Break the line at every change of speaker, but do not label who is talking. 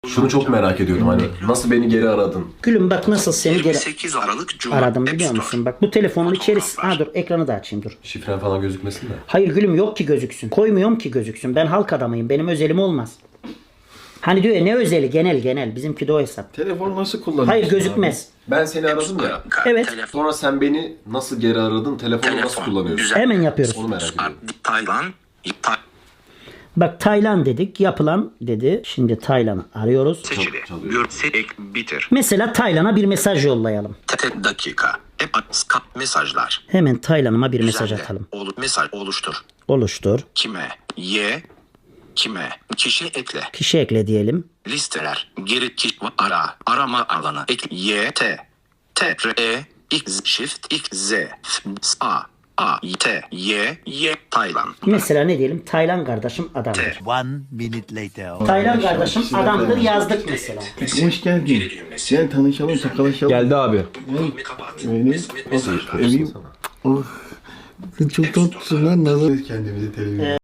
Şunu çok merak ediyorum, hani nasıl beni geri aradın?
Gülüm bak nasıl seni geri
28 Aralık Cuma.
aradım
App
biliyor
Store.
musun? Bak bu telefonun içerisi... Ha dur ekranı da açayım dur.
Şifren falan gözükmesin de.
Hayır gülüm yok ki gözüksün. Koymuyorum ki gözüksün. Ben halk adamıyım. Benim özelim olmaz. Hani diyor ya ne özeli genel. Bizimki de o hesap.
Telefonu nasıl kullanıyorsun?
Hayır gözükmez.
Ben seni aradım ya.
Evet.
Telefon.
Sonra sen beni nasıl geri aradın? Telefonu nasıl kullanıyorsun?
Güzel.
Hemen yapıyoruz.
Onu merak ediyorum.
Taylan.
Bak Taylan dedik. Yapılan dedi. Şimdi Taylan'ı arıyoruz.
Seçili.
Çalıyor.
Görse ek bitir.
Mesela Taylan'a bir mesaj yollayalım.
Tek dakika. Skype mesajlar.
Hemen Taylan'ıma bir mesaj
Düzenle.
atalım.
Mesaj oluştur.
Oluştur.
Kime? Kime? Kişi ekle.
Kişi ekle diyelim.
Listeler. Geri kişi ara. Arama alanı. Ekle. X Shift X Z A T Y Taylan.
Mesela ne diyelim? Taylan kardeşim adamdır.
1 minute later.
Taylan kardeşim adamdır yazdık mesela.
Hoş geldin. Gel tanışalım, tokalaşalım.
Geldi abi.
Beni evim. Oh, çok tatlısın lan. Kendimizi televizyon.